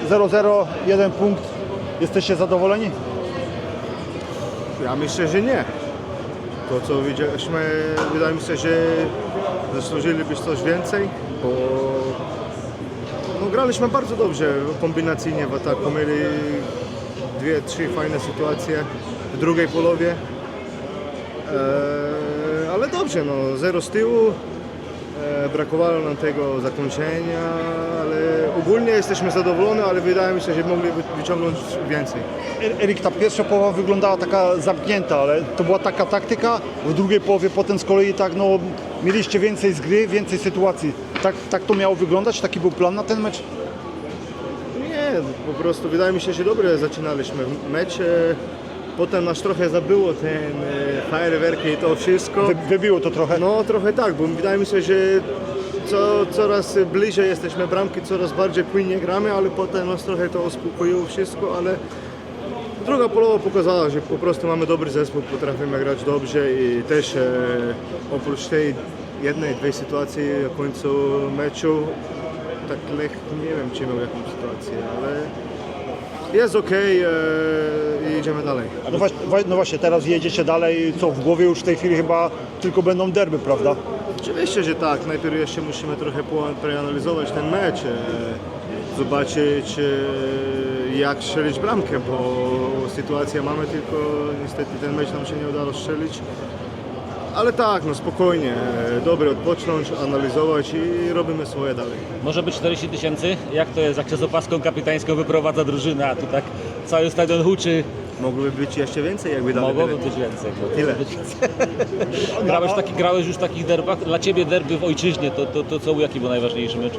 0-0, 1 punkt. Jesteście zadowoleni? Ja myślę, że nie. To co widzieliśmy, wydaje mi się, że zasłużylibyśmy coś więcej, bo no, graliśmy bardzo dobrze kombinacyjnie w ataku. Mieli 2-3 fajne sytuacje w drugiej połowie. Ale dobrze, no, 0 z tyłu. Brakowało nam tego zakończenia, ale ogólnie jesteśmy zadowoleni, ale wydaje mi się, że mogli wyciągnąć więcej. Erik, ta pierwsza połowa wyglądała taka zamknięta, ale to była taka taktyka. W drugiej połowie potem z kolei tak, no, mieliście więcej z gry, więcej sytuacji. Tak to miało wyglądać? Taki był plan na ten mecz? Nie, po prostu wydaje mi się, że dobrze zaczynaliśmy mecz. Potem nas trochę zabyło ten fajerwerki i to wszystko. Wybiło to trochę? No trochę tak, bo wydaje mi się, że coraz bliżej jesteśmy bramki, coraz bardziej płynnie gramy, ale potem nas trochę to uspokoiło wszystko, ale druga połowa pokazała, że po prostu mamy dobry zespół, potrafimy grać dobrze i też oprócz tej jednej, dwie sytuacji na końcu meczu, tak Lech nie wiem czy miał jakąś sytuację, ale jest okej i idziemy dalej. No właśnie, teraz jedziecie dalej, co w głowie już w tej chwili chyba tylko będą derby, prawda? Oczywiście, że tak. Najpierw jeszcze musimy trochę przeanalizować ten mecz, zobaczyć jak strzelić bramkę, bo sytuację mamy, tylko niestety ten mecz nam się nie udało strzelić. Ale tak, no spokojnie, dobrze odpocząć, analizować i robimy swoje dalej. Może być 40 000? Jak to jest, jak się z opaską kapitańską wyprowadza drużyna, a tu tak cały stadion huczy? Mogłoby być jeszcze więcej, jakby dali Mogłoby bilet. być więcej. Tyle. Grałeś już w takich derbach? Dla Ciebie derby w ojczyźnie, to jaki był najważniejszy mecz?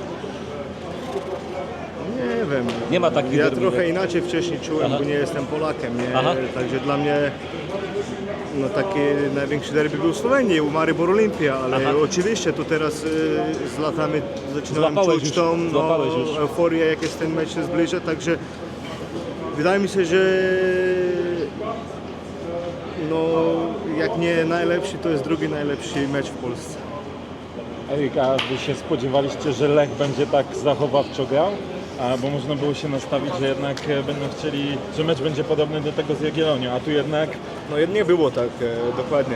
Nie wiem. Nie ma takich Ja derby, trochę nie? inaczej wcześniej czułem, Aha. bo nie jestem Polakiem, nie? Aha. Także dla mnie no, taki największy derby był w Słowenii, u Maribor Olimpia, ale Aha. oczywiście to teraz z latami zaczynałem Złapałeś czuć już, tą złapałeś już. euforię, jak jest ten mecz się zbliża, także wydaje mi się, że no, jak nie najlepszy, to jest drugi najlepszy mecz w Polsce. Erik, a Wy się spodziewaliście, że Lech będzie tak zachowawczo grał? Bo można było się nastawić, że jednak będą chcieli, że mecz będzie podobny do tego z Jagiellonią, a tu jednak... No nie było tak, dokładnie.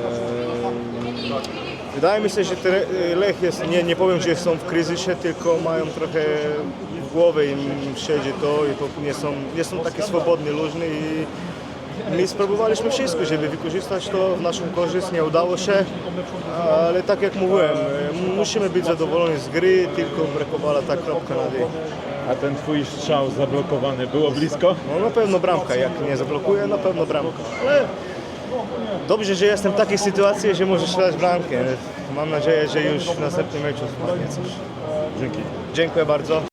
Wydaje mi się, że Lech jest, nie powiem, że są w kryzysie, tylko mają trochę w głowie im siedzi to i to nie są takie swobodni, luźni i my spróbowaliśmy wszystko, żeby wykorzystać to w naszą korzyść, nie udało się, ale tak jak mówiłem, musimy być zadowoleni z gry, tylko brakowała ta kropka na D. A ten Twój strzał zablokowany, było blisko? No na pewno bramka, jak nie zablokuje, na pewno bramka. Ale dobrze, że jestem w takiej sytuacji, że możesz strzelać bramkę. Mam nadzieję, że już w następnym meczu spadnie coś. Dzięki. Dziękuję bardzo.